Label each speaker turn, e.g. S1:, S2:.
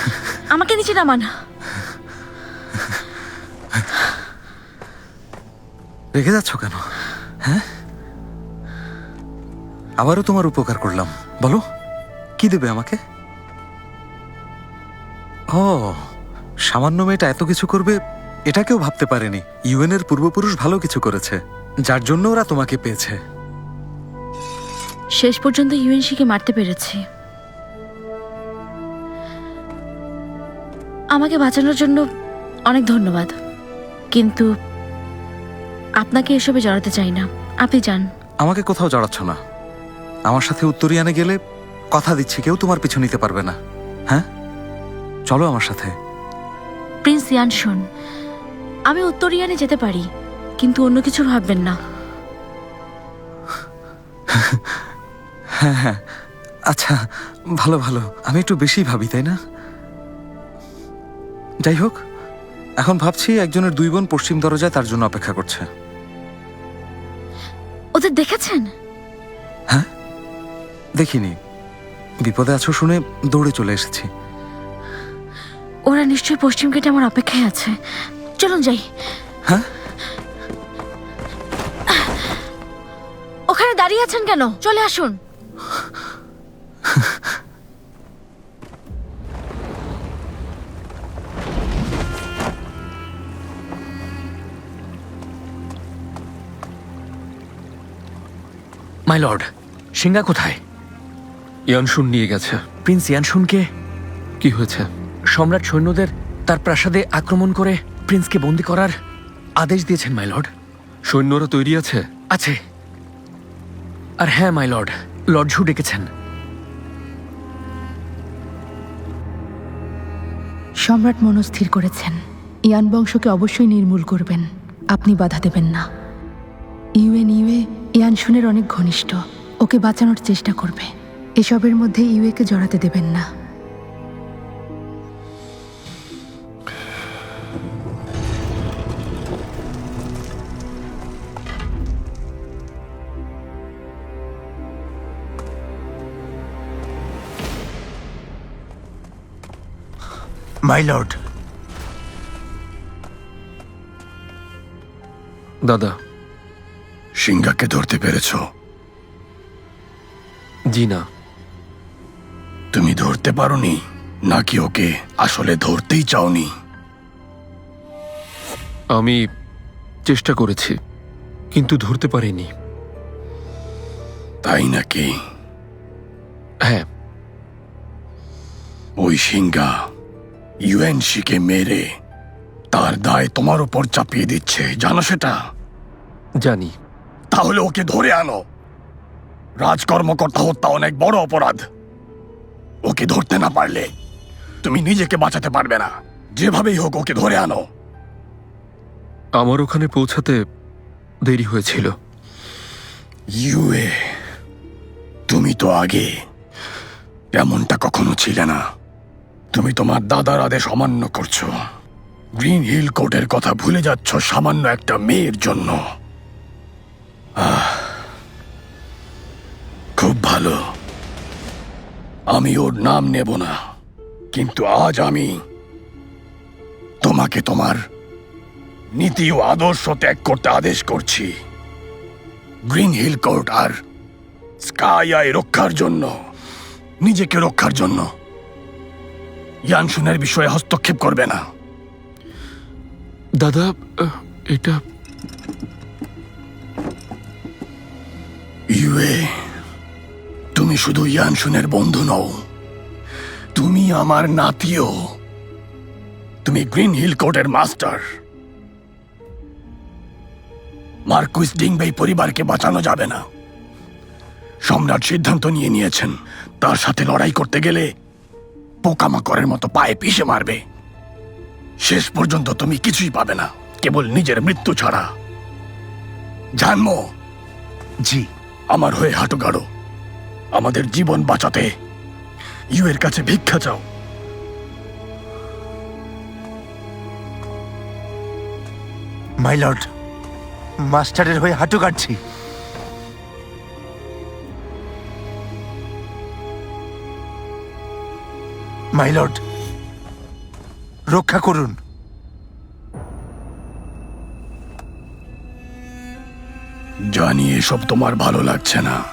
S1: আমাকে নিচে নামান।
S2: রেখে যাচ্ছ কেন? হ্যাঁ, আবারও তোমার উপকার করলাম, বলো কি দেবে আমাকে? ও, সামান্য মেয়েটা এত কিছু করবে এটা কেউ ভাবতে পারেনি। ইউএন এর পূর্বপুরুষ ভালো কিছু করেছে, যার জন্য ওরা তোমাকে পেয়েছে।
S1: শেষ পর্যন্ত ইউএনসিকে মারতে পেরেছি। আমাকে বাঁচানোর জন্য অনেক ধন্যবাদ, কিন্তু আপনাকে এসবে জড়াতে চাই না। আপনি যান।
S2: আমাকে কোথাও জড়াচ্ছ না। আমার সাথে উত্তরিয়ানে গেলে কথা দিচ্ছি কেউ তোমার পিছু নিতে পারবে না। হ্যাঁ, চলো আমার সাথে।
S1: প্রিন্স ইয়ানশুন, আমি উত্তরিয়ানে যেতে পারি, কিন্তু অন্য কিছু ভাববেন না।
S2: হ্যাঁ হ্যাঁ, আচ্ছা, ভালো ভালো। আমি একটু বেশি ভাবি, তাই না? যাই হোক, এখন ভাবছি একজনের 2 বোন পশ্চিম দরজায় তার জন্য অপেক্ষা করছে।
S1: ওদের দেখেছেন?
S2: হ্যাঁ, দেখিনি। বিপদে আছো শুনে দৌড়ে চলে এসেছি।
S1: ওরা নিশ্চয়ই পশ্চিম গেটে আমার অপেক্ষায় আছে। চলুন যাই।
S2: হ্যাঁ,
S1: ওখানে দাঁড়িয়ে আছেন কেন? চলে আসুন।
S3: মাই লর্ড, সিংহা কোথায়?
S4: ইয়ানশুন নিয়ে গেছে।
S3: প্রিন্স ইয়ানশুনকে?
S4: কি হয়েছে?
S3: সম্রাট সৈন্যদের তার প্রাসাদে আক্রমণ করে প্রিন্সকে বন্দী করার আদেশ দিয়েছেন মাই লর্ড।
S4: সৈন্যরা তৈরি আছে?
S3: আছে। আর হ্যাঁ মাই লর্ড, লর্ড ঝু ডেকেছেন।
S5: সম্রাট মনস্থির করেছেন ইয়ান বংশকে অবশ্যই নির্মূল করবেন। আপনি বাধা দেবেন না। ইউএ ইয়ানশুনের অনেক ঘনিষ্ঠ, ওকে বাঁচানোর চেষ্টা করবে। এসবের মধ্যে ইউএকে জড়াতে দেবেন না।
S6: My lord.
S4: দাদা,
S6: সিংহাকে ধরতে পেরেছ?
S4: জি না।
S6: তুমি ধরতে পারোনি, নাকি ওকে আসলে ধরতেই চাওনি?
S4: আমি চেষ্টা করেছি, কিন্তু ধরতে পারিনি।
S6: তাই নাকি?
S4: হ্যাঁ।
S6: ওই সিংহা ইউএনসিকে মেরে তার দায় তোমার উপর চাপিয়ে দিচ্ছে, জানো সেটা?
S4: জানি।
S6: তাহলে ওকে ধরে আনো। রাজকর্মকর্তা হত্যা অনেক বড় অপরাধ। ওকে ধরতে না পারলে তুমি নিজেকে বাঁচাতে পারবে না। যেভাবেই হোক ওকে ধরে আনো।
S4: আমার ওখানে পৌঁছাতে দেরি হয়েছিল।
S6: ইউএ, তুমি তো আগে এমনটা কখনো ছিলে না। তুমি তোমার দাদার আদেশ অমান্য করছো। গ্রিন হিল কোর্টের কথা ভুলে যাচ্ছ সামান্য একটা মেয়ের জন্য। খুব ভালো, আমি ওর নাম নেব না, কিন্তু আজ আমি তোমাকে তোমার নীতি ও আদর্শ ত্যাগ করতে আদেশ করছি। গ্রিন হিল কোর্ট আর স্কাই আই রক্ষার জন্য, নিজেকে রক্ষার জন্য ইয়ানশুনের বিষয়ে হস্তক্ষেপ করবে না।
S4: দাদা, এটা
S6: ইউএ, তুমি শুধু ইয়ানশুনের বন্ধু নও, তুমি আমার নাতিও। তুমি গ্রিন হিল কোর্টের মাস্টার। মার্কুইস ডিংবেই পরিবারকে বাঁচানো যাবে না। সম্রাট সিদ্ধান্ত নিয়েছেন তার সাথে লড়াই করতে গেলে পোকামাকড়ের মতো পায়ে পিষে মারবে। শেষ পর্যন্ত তুমি কিছুই পাবে না, কেবল নিজের মৃত্যু ছাড়া। জানমো?
S3: জি।
S6: আমার হয়ে হাঁটু গাড়ো। আমাদের জীবন বাঁচাতে ইউএর কাছে ভিক্ষা চাও।
S7: মাই লর্ড, মাস্টারের হয়ে হাঁটু কাটছি। মাই লর্ড, রক্ষা করুন।
S6: জানি এসব তোমার ভালো লাগছে না,